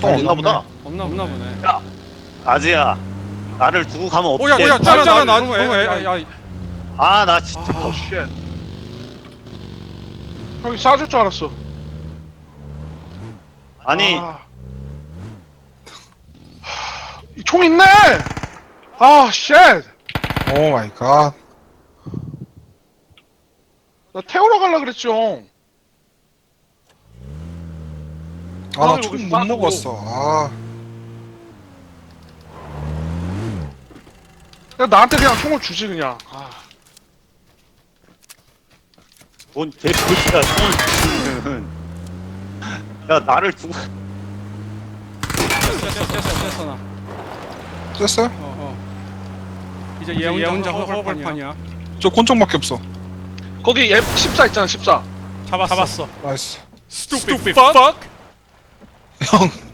총 없나 보다. 없나 보네. 아지야, 나를 두고 가면 오야 어떡해. 오야 짜잖아 나도 야 아, 나 진짜. 아, 쉣. 형이 쏴줄 줄 알았어. 아니, 총 있네! 아, 쉣! 오 마이 갓. 나 태우러 갈라 그랬죠. 아, 나 여기 총 못 빠지고. 먹었어. 아, 그냥 나한테 그냥 총을 주지, 그냥. 아, 뭔 개소리야, 총을 주시는. 야, 나를 두고. 됐어 나. 됐어요? 이제 얘 혼자 허벌판이야. 저 권총밖에 없어. 거기 F14 있잖아, 14. 잡았어. 나이스. Stupid fuck. 형,